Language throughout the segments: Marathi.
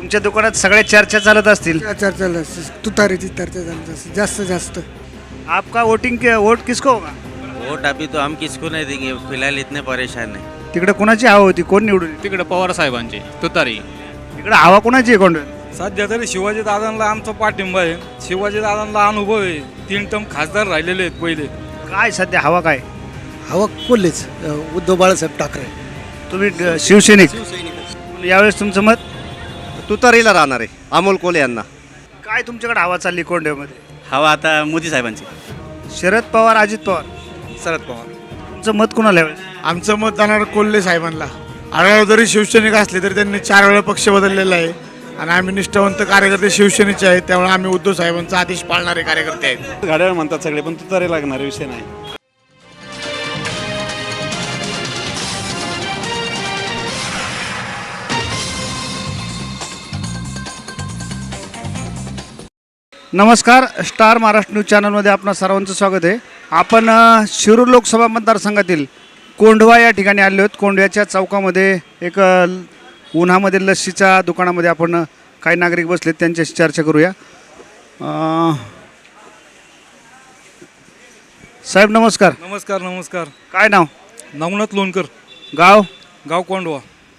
तुमच्या दुकानात सगळ्या चर्चा चालत असतील. चर्चा तुतारीची चर्चा झाली जास्तीत जास्त. आपका वोट किसको होगा? वोट अभी तो हम किसको नहीं देंगे, फिलहाल इतने परेशान है. तिकडे कोणाची हवा होती, कोण निवडून येईल? तिकडे पवार साहेबांची तुतारी. इकडे हवा कोणाची आहे कोंडव्यात? सध्या तरी शिवाजी दादांना आमचा पाठिंबा आहे. शिवाजी दादांना अनुभव आहे, 3 टर्म खासदार राहिलेले आहेत पहिले. काय सध्या हवा काय? हवा कोल्हेच, उद्धव बाळासाहेब ठाकरे. तुम्ही शिवसैनिक, यावेळेस तुमचं मत? तुतारीला राहणार आहे, अमोल कोल्हे यांना. काय तुमच्याकडे हवा चालली कोंडव्यामध्ये? हवा आता मोदी साहेबांची. शरद पवार, अजित पवार, शरद पवार. तुमचं मत कोणाला यावेळेस? आमचं मत जाणार कोल्हे साहेबांना. आढळराव जरी शिवसैनिक असले तरी त्यांनी 4 वेळा पक्ष बदललेला आहे आणि आम्ही निष्ठावंत कार्यकर्ते शिवसेनेचे आहेत, त्यामुळे आम्ही उद्धव साहेबांचा आदेश पाळणारे कार्यकर्ते आहेत. गाड्यावर म्हणतात सगळे, पण तुतारी लागणार विषय नाही. नमस्कार, स्टार महाराष्ट्र न्यूज चॅनलमध्ये आपणा सर्वांचं स्वागत आहे. आपण शिरूर लोकसभा मतदारसंघातील कोंढवा या ठिकाणी आलो आहोत. कोंढव्याच्या चौकामध्ये एक उन्हामध्ये लस्सीच्या दुकानामध्ये आपण काही नागरिक बसलेत, त्यांच्याशी चर्चा करूया. साहेब नमस्कार. नमस्कार नमस्कार. काय नाव? नवनाथ लोणकर, गाव? गाव कोंडवा.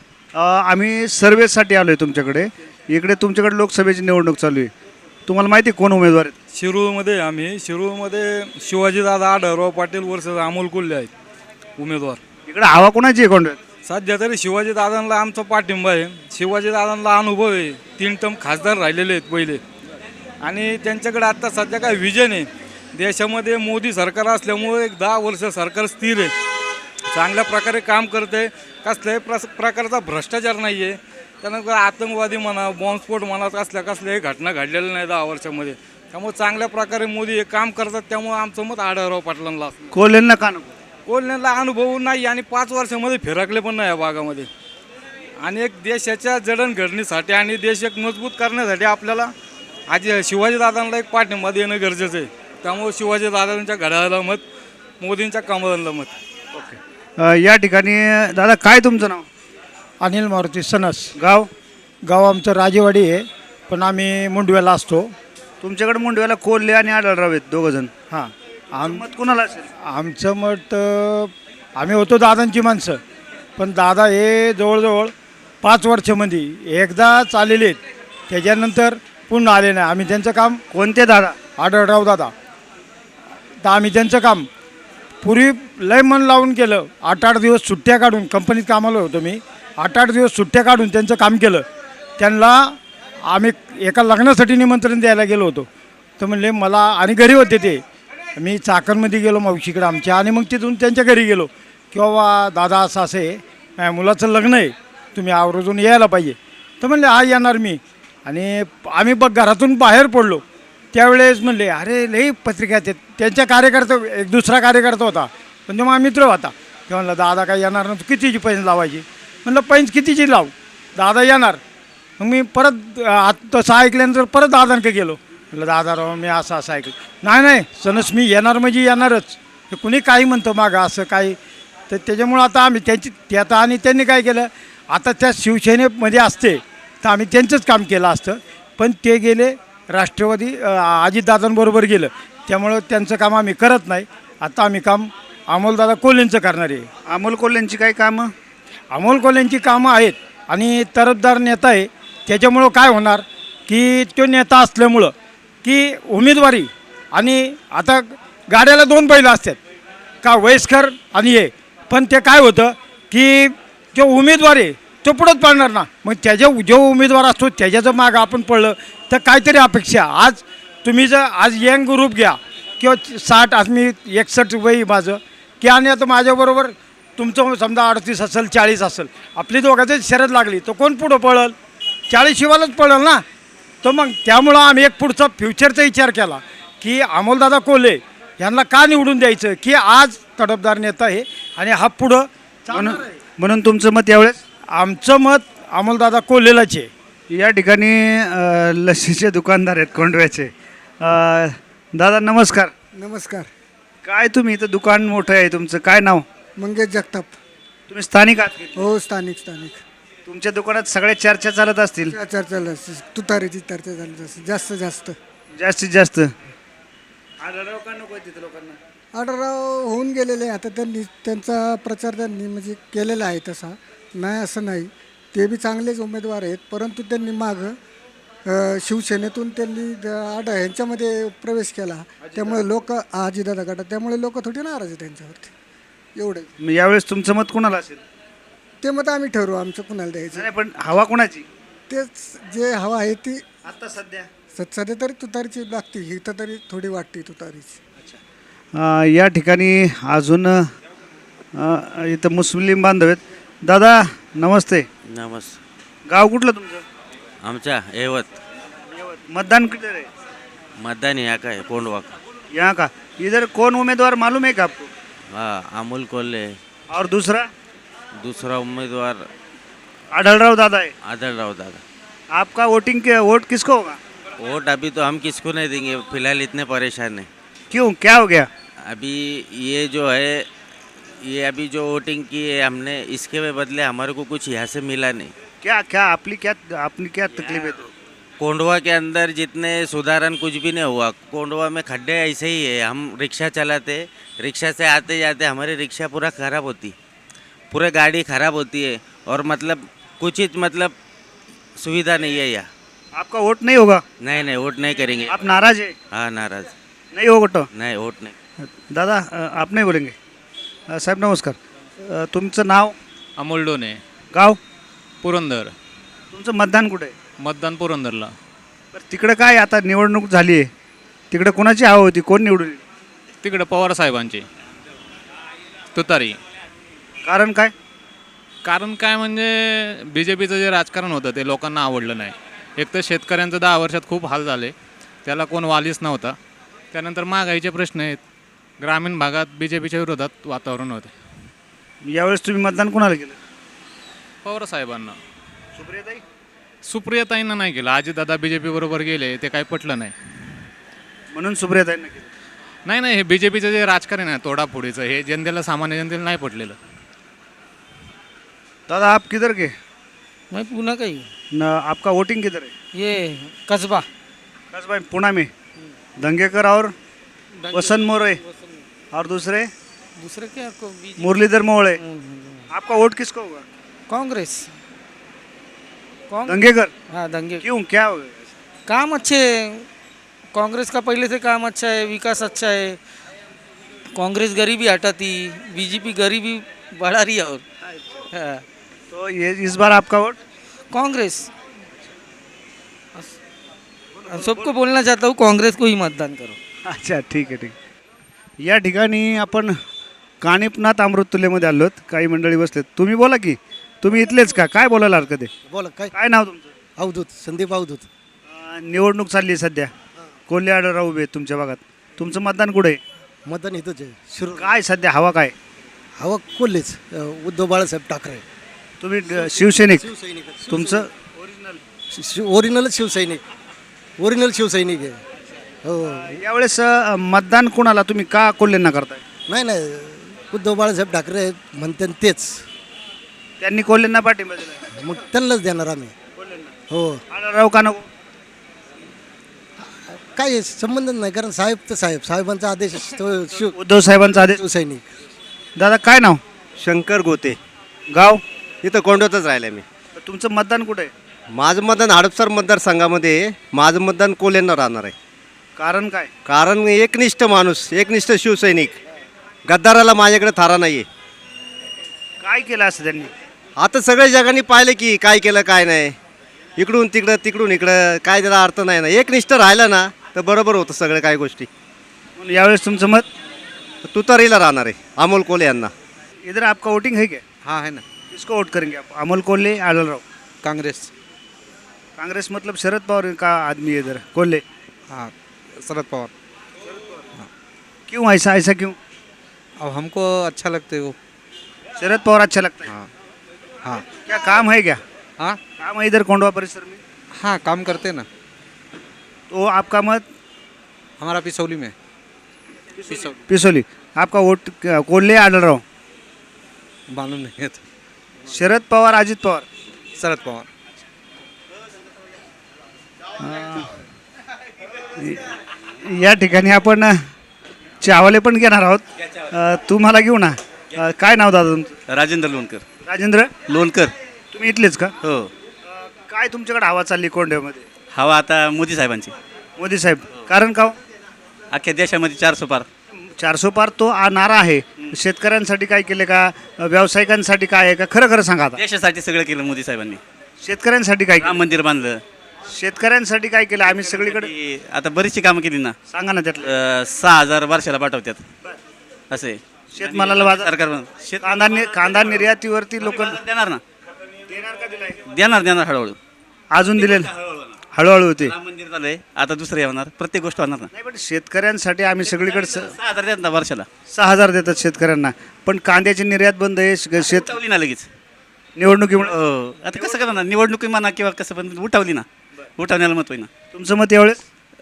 आम्ही सर्वेसाठी आलो आहे तुमच्याकडे. इकडे तुमच्याकडे लोकसभेची निवडणूक चालू आहे. तुम्हाला माहिती आहे कोण उमेदवार आहेत? शिरूरमध्ये शिवाजी दादा, आढळराव पाटील वर्सेस अमोल कोल्हे आहेत उमेदवार. इकडे हवा कोणाची आहे कोंढव्यात? सध्या तरी शिवाजी दादांना आमचा पाठिंबा आहे. शिवाजी दादांना अनुभव आहे, 3 टर्म खासदार राहिलेले आहेत पहिले. आणि त्यांच्याकडे आत्ता सध्या काय विजन आहे. देशामध्ये मोदी सरकार असल्यामुळे एक 10 वर्ष सरकार स्थिर आहे, चांगल्या प्रकारे काम करते. कसल्याही प्रकारचा भ्रष्टाचार नाही आहे. त्यानंतर आतंकवादी म्हणा, बॉम्बस्फोट म्हणा, कसल्याही घटना घडलेल्या नाही 10 वर्षामध्ये. त्यामुळे चांगल्या प्रकारे मोदी हे काम करतात. त्यामुळे आमचं मत आढळराव पाटलांना. कोल्हेंना का नको? कोल्ह्यांना अनुभव नाही आणि 5 वर्षामध्ये फिरकले पण नाही या भागामध्ये. आणि एक देशाच्या जडणघडणीसाठी आणि देश एक मजबूत करण्यासाठी आपल्याला आज शिवाजीदादांना एक पाठिंबा देणं गरजेचं आहे. त्यामुळे शिवाजीदादांच्या घड्याळाला मत, मोदींच्या कमळाला मत. ओके. या ठिकाणी दादा काय तुमचं नाव? अनिल मारुती सनस. गाव? गाव आमचं राजेवाडी आहे, पण आम्ही मुंडव्याला असतो. तुमच्याकडे मुंडव्याला कोल्हे आणि आढळराव आहेत, दोघंजण. हां, मत कोणाला असेल? आमचं मत, आम्ही होतो दादांची माणसं, पण दादा हे जवळजवळ 5 वर्षामध्ये एकदाच आलेले आहेत, त्याच्यानंतर पुन्हा आले नाही. आम्ही त्यांचं काम. कोणते दादा? आढळराव दादा. तर आम्ही त्यांचं काम पूर्वी लय मन लावून केलं. 8-8 दिवस सुट्ट्या काढून, कंपनीत कामाला होतो मी, 8-8 दिवस सुट्ट्या काढून त्यांचं काम केलं. त्यांना आम्ही एका लग्नासाठी निमंत्रण द्यायला गेलो होतो. तर म्हणले मला, आणि घरी होते ते, मी चाकणमध्ये गेलो मावशीकडे आमच्या, आणि मग तिथून त्यांच्या घरी गेलो की बाबा दादा असं आहे, माझ्या मुलाचं लग्न आहे, तुम्ही आवर्जून यायला पाहिजे. तर म्हणले हा येणार मी. आणि आम्ही घरातून बाहेर पडलो त्यावेळेस म्हणले अरे लई पत्रिका आहेत. त्यांच्या कार्यकर्ता, एक दुसरा कार्यकर्ता होता, पण तेव्हा मित्र होता. ते म्हणलं दादा काय येणार ना, तू कितीची पैंज लावायची? म्हणलं पैंज कितीची लाव, दादा येणार. मग मी परत तसं ऐकल्यानंतर परत दादांकडे गेलो. म्हटलं दादा मी असं ऐकलं. नाही सनस मी येणार म्हणजे येणारच, हे कुणी काही म्हणतं मागं असं काही. तर त्याच्यामुळं आता आम्ही ते आता, आणि त्यांनी काय केलं, आता त्या शिवसेनेमध्ये असते तर आम्ही त्यांचंच काम केलं असतं, पण ते गेले राष्ट्रवादी, अजितदादांबरोबर गेलं, त्यामुळं त्यांचं काम आम्ही करत नाही. आता आम्ही काम अमोलदादा कोल्हेंचं करणार आहे. अमोल कोल्हेंची काही कामं? अमोल कोल्हेंची कामं आहेत, आणि तरफदार नेता आहे. त्याच्यामुळं काय होणार की तो नेता असल्यामुळं की उमेदवारी, आणि आता गाड्याला 2 बैल असतात का, वयस्कर आणि हे, पण ते काय होतं की जो उमेदवार आहे तो पुढंच पडणार ना. मग जो उमेदवार असतो त्याच्याचं मागं आपण पडलं तर काहीतरी अपेक्षा. आज तुम्ही जर आज यंग ग्रुप घ्या किंवा 60, आज मी 61 वय माझं की, आणि आता माझ्याबरोबर तुमचं समजा 38 असेल, 40 असेल, आपली दोघांची शर्यत लागली तर कोण पुढं पळल? 40 शिवायलाच पळल ना. तर मग त्यामुळं आम्ही एक पुढचा फ्युचरचा विचार केला की अमोलदादा कोल्हे यांना का निवडून द्यायचं, की आज तडफदार नेता आहे आणि हा पुढं. म्हणून तुमचं मत यावेळेस? आमचं मत अमोलदादा कोल्हेलाच आहे. या ठिकाणी लस्सीचे दुकानदार आहेत कोंढव्याचे. दादा नमस्कार. नमस्कार. काय तुम्ही इथं दुकान मोठं आहे तुमचं, काय नाव? मंगेश जगताप. तुम्ही स्थानिक आहात? हो, स्थानिक. तुमच्या दुकानात सगळ्या चर्चा चालत असतील चर्चा तुतारीची चर्चा झाली जास्त जास्तीत जास्त जास्तीत जास्त. आढळराव का नको तिथे लोकांना? आढळराव होऊन गेलेले आहे. आता त्यांनी त्यांचा प्रचार त्यांनी म्हणजे केलेला आहे तसा, नाही असं नाही. ते बी चांगलेच उमेदवार आहेत, परंतु त्यांनी मागं शिवसेनेतून त्यांनी ह्यांच्यामध्ये प्रवेश केला, त्यामुळे लोक अजितदादा गटात, त्यामुळे लोक थोडी नाराज आहे त्यांच्यावरती. एवढं मग यावेळेस तुमचं मत कोणाला असेल? ते मत आम्ही ठरवू आमचं कुणाला द्यायचं. नाही पण हवा कोणाची तेच जे हवा आहे ती आता सध्या? सध्या तरी तुतारीची लागते, ही तर तरी थोडी वाटते तुतारीची. या ठिकाणी अजून इथं मुस्लिम बांधव आहेत. दादा नमस्ते. गाव कुठलं तुमचं? आमच्या यवत. मतदान किधर है? मतदान यहाँ का है, कोंडवा का. यहाँ का. इधर कौन उम्मीदवार मालूम है क्या आपको? हाँ, अमोल कोल्हे. और दूसरा? दूसरा उम्मीदवार आढळराव दादा है. आदरराव दादा. आपका वोट किसको होगा? वोट अभी तो हम किसको नहीं देंगे, फिलहाल इतने परेशान हैं. क्यों, क्या हो गया? अभी ये जो है, ये अभी जो वोटिंग की है हमने, इसके बदले हमारे को कुछ यहाँ से मिला नहीं. क्या क्या आपली क्या तकलीफ है? तो कोंडवा के अंदर जितने सुधारण कुछ भी नहीं हुआ. कोंडवा में खड्डे ऐसे ही है. हम रिक्शा चलाते, रिक्शा से आते जाते हमारी रिक्शा पूरा ख़राब होती, पूरे गाड़ी ख़राब होती है. और मतलब कुछ ही मतलब सुविधा नहीं है यहाँ. आपका वोट नहीं होगा? नहीं, वोट नहीं करेंगे. आप नाराज है? हाँ, नाराज. नहीं होगा तो? नहीं, वोट नहीं. दादा आप नाही बोलेंगे? साहेब नमस्कार. तुमचं नाव? अमोल डोने, गाव? पुरंदर. तुमचं मतदान कुठे आहे? मतदान पुरंदरला. बरं तिकडं काय आता निवडणूक झाली आहे, तिकडं कोणाची हवा होती, कोण निवडून येईल? तिकडे पवार साहेबांची तुतारी. कारण काय? कारण काय म्हणजे बी जे पीचं जे राजकारण होतं ते लोकांना आवडलं नाही. एक तर शेतकऱ्यांचं 10 वर्षात खूप हाल झाले, त्याला कोण वालीच नव्हता. त्यानंतर महागाईचे प्रश्न आहेत. ग्रामीण भागात बी जे पीच्या विरोधात वातावरण होते. यावेळेस तुम्ही मतदान कोणाला केलं? पवार साहेबांना. सुप्रियाताई? सुप्रियाताईंना नाही केलं. अजितदादा बी जे पी बरोबर गेले, ते काही पटलं नाही. म्हणून सुप्रियाताईंना केलं? नाही, हे बी जे पीचं जे राजकारण आहे तोडाफोडीचं, हे जनतेला, सामान्य जनतेला नाही पटलेलं. दादा आप किधर के? मैं पूना का ही. न आपका वोटिंग किधर है? ये कस्बा. भाई पुणे में दंगेकर और वसंत मोरे और दूसरे दूसरे क्या को मुरलीधर मोहळे. आपका वोट किसको होगा? कांग्रेस. दंगेकर? हाँ, दंगे. क्यों, क्या हो गया? काम अच्छे है, कांग्रेस का पहले से काम अच्छा है, विकास अच्छा है. कांग्रेस गरीबी हटाती, बीजेपी गरीबी बढ़ा रही है. और हाँ, तो ये इस बार आपका वोट? कांग्रेस. सबको बोलना चाहता हूँ, कांग्रेस को ही मतदान करो. अच्छा ठीक आहे. या ठिकाणी आपण कानिपनाथ अमृततुल्यमध्ये आलो आहोत. काही मंडळी बसलेत. तुम्ही बोला की, तुम्ही इथलेच का? काय बोलायला हरकत आहे? बोला. काय नाव तुमचं? अवधूत, संदीप अवधूत. निवडणूक चालली आहे सध्या. कोल्हे आढळराव उभे आहेत तुमच्या भागात. तुमचं मतदान कुठे आहे? मतदान इथंच आहे. शिरूर. काय सध्या हवा काय? हवा कोल्हेच. उद्धव बाळासाहेब ठाकरे. तुम्ही शिवसैनिक? शिवसैनिक. तुमचं ओरिजिनल शिवसैनिक. ओरिजिनल शिवसैनिक आहे. हो. यावेळेस मतदान कोणाला, तुम्ही का कोल्हेंना करताय? नाही, उद्धव बाळासाहेब ठाकरे म्हणते तेच. त्यांनी कोल्हेंना पाठिंबा दिला, मग त्यांनाच देणार आम्ही. हो. आढळराव का नको? काय संबंध नाही, कारण साहेब तर साहेबांचा आदेश तो उद्धव साहेबांचा आदेश. शिवसैनिक. दादा काय नाव? शंकर गोते. गाव? इथं कोंडवतच राहिलं मी. तुमचं मतदान कुठे आहे? माझं मतदान हडपसर मतदारसंघामध्ये माझं मतदान कोल्हेंना राहणार आहे. कारण काय? कारण एकनिष्ठ माणूस, एकनिष्ठ शिवसैनिक. गद्दाराला माझ्याकडे थारा नाही आहे. काय केलं असं त्यांनी? आता सगळ्या जगाने पाहिलं की काय केलं काय नाही. इकडून तिकडं, तिकडून इकडं, काय त्याला अर्थ नाही ना. एकनिष्ठ राहिलं ना तर बरोबर होतं सगळं काही गोष्टी. म्हणून यावेळेस तुमचं मत तुतारीला राहणार आहे, अमोल कोल्हे यांना. इधर आपका वोटिंग है क्या? हाँ है ना. किसको वोट करेंगे आप? अमोल कोल्हे, आढळराव? कांग्रेस. कांग्रेस मतलब शरद पवार का आदमी है इधर, कोल्हे? हाँ, शरद पवार. क्यों ऐसा क्यों? अब हमको अच्छा लगता है वो. शरद पवार अच्छा लगता है? हाँ. हाँ. क्या काम है क्या? हाँ. काम है इधर कोंडवा परिसर में? हाँ, काम करते ना. तो आपका मत? हमारा पिसौली में. पिसोली. आपका वोट कोल्हे, आढळराव? मालूम नहीं है तो. शरद पवार, अजित पवार? शरद पवार. या ठिकाणी आपण चावले पण घेणार आहोत. तुम्हाला घेऊ ना. काय नाव दादा तुमचं? राजेंद्र लोणकर. राजेंद्र लोणकर. तुम्ही इथलेच का? हो. काय तुमच्याकडे हवा चालली कोंढव्यामध्ये? हवा आता मोदी साहेबांची. मोदी साहेब. कारण का हो? अख्ख्या देशामध्ये 400 पार. 400 पार तो नारा आहे. शेतकऱ्यांसाठी काय केले का? व्यावसायिकांसाठी काय आहे का? खरं खरं सांगा आता. देशासाठी सगळं केलं मोदी साहेबांनी. शेतकऱ्यांसाठी काय केलं? राम मंदिर बांधलं. शेतकऱ्यांसाठी काय केलं? आम्ही सगळीकडे आता बरीचशी कामं केली ना. सांगा ना त्यातलं. 6,000 वर्षाला पाठवतात असे. शेतमालाला बाजार. सरकार कांदा निर्यातीवरती लोक देणार ना. देणार हळूहळू. अजून दिले हळूहळू होते. राम मंदिर झालंय, आता दुसरं होणार, प्रत्येक गोष्ट होणार ना. नाही पण शेतकऱ्यांसाठी आम्ही सगळीकडे 6,000 देतात ना वर्षाला. 6,000 देतात शेतकऱ्यांना. पण कांद्याची निर्यात बंद आहे. शेत उठवली ना लगेच निवडणुकीमुळे. हो. आता कसं करणार, निवडणुकी म्हणा किंवा कसं पण उठवली ना. उठवण्याला मत होईना. तुमचं मत यावेळेस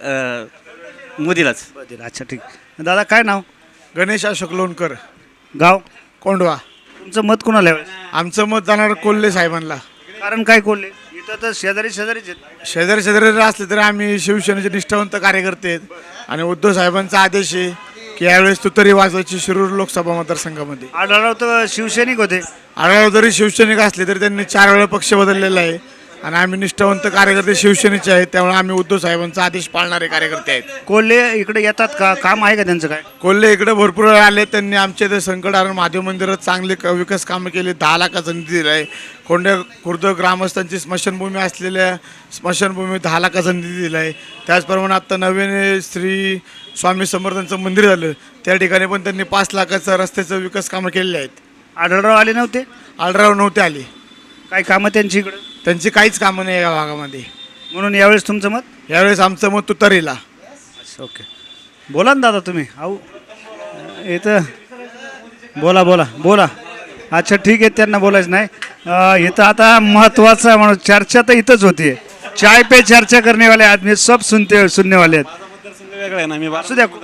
मोदीलाच. अच्छा ठीक. दादा काय नाव? गणेश अशोक लोणकर, गाव? कोंडवा. तुमचं मत कोणाला यावेळेस? आमचं मत जाणार कोल्हे साहेबांना. कारण काय कोल्हे? इथं तर शेजारीच आहेत. शेजारी शेजारी असले तरी आम्ही शिवसेनेचे निष्ठावंत कार्यकर्ते आहेत आणि उद्धव साहेबांचा आदेश आहे की यावेळेस तुतारी वाजवायची शिरूर लोकसभा मतदारसंघामध्ये. आढळराव तर शिवसैनिक होते. आढळराव जरी शिवसैनिक असले तरी त्यांनी 4 वेळा पक्ष बदललेला आहे आणि आम्ही निष्ठावंत कार्यकर्ते शिवसेनेचे आहेत. त्यामुळे आम्ही उद्धव साहेबांचा आदेश पाळणारे कार्यकर्ते आहेत. कोल्हे इकडे येतात का? काम आहे का त्यांचं काय? कोल्हे इकडे भरपूर वेळा आले. त्यांनी आमच्या इथे संकटहरण महादेव मंदिरात चांगले विकास कामं केली. 10 लाखाचा निधी दिला आहे. खुर्द ग्रामस्थांची स्मशानभूमी असलेल्या स्मशानभूमी 10 लाखाचा निधी दिला आहे. त्याचप्रमाणे आत्ता नवीन श्री स्वामी समर्थांचं मंदिर झालं, त्या ठिकाणी पण त्यांनी 5 लाखाचं रस्त्याचं विकास कामं केलेले आहेत. आढळराव आले नव्हते? आढळराव नव्हते आले. काय कामं त्यांची इकडं? त्यांची काहीच कामं नाही या भागामध्ये. म्हणून यावेळेस तुमचं मत? यावेळेस आमचं मत तुतारीला. ओके. बोला ना दादा तुम्ही. अहो इथं बोला. अच्छा ठीक आहे, त्यांना बोलायचं नाही. इथं आता महत्त्वाचं म्हणून चर्चा तर इथंच होती. चाय पे चर्चा करने वाले आदमी सब सुनने वाले आहेत. वेगळं आहे ना. मी असू द्या.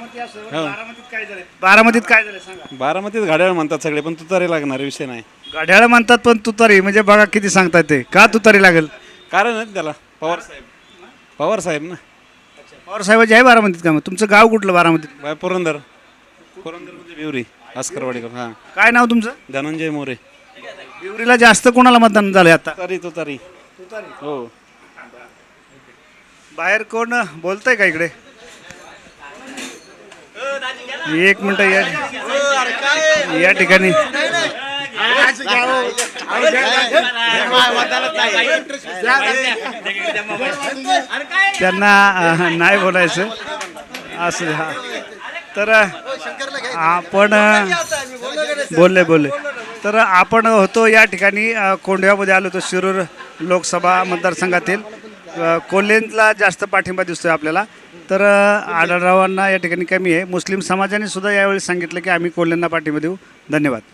बारामतीत काय झालं सांगा. बारामतीत घड्याळ म्हणतात सगळे, पण तुतारी लागणार विषय नाही. गाड्याला म्हणतात पण तुतारी म्हणजे बघा किती सांगतात ते. का तुतारी लागेल? कारण आहे त्याला पवार साहेब ना. पवार साहेबाची आहे बारामतीत का? मग तुमचं गाव कुठलं बारामतीत? पुरंदर म्हणजे बिवरी आस्करवाडीकर. हां. काय नाव तुमचं? धनंजय मोरे. बिवरीला जास्त कोणाला मतदान झालं आता? तुतारी. हो. बाहेर कोण बोलतंय का इकडे? एक मिनिट. या ठिकाणी त्यांना नाही बोलायचं असं. हा तर आपण बोलले तर आपण होतो या ठिकाणी कोंढव्यामध्ये आलो होतो. शिरूर लोकसभा मतदारसंघातील कोल्हेंना जास्त पाठिंबा दिसतोय आपल्याला. तर आढळरावांना या ठिकाणी कमी आहे. मुस्लिम समाजाने सुद्धा यावेळी सांगितलं की आम्ही कोल्हेंना पाठिंबा देऊ. धन्यवाद.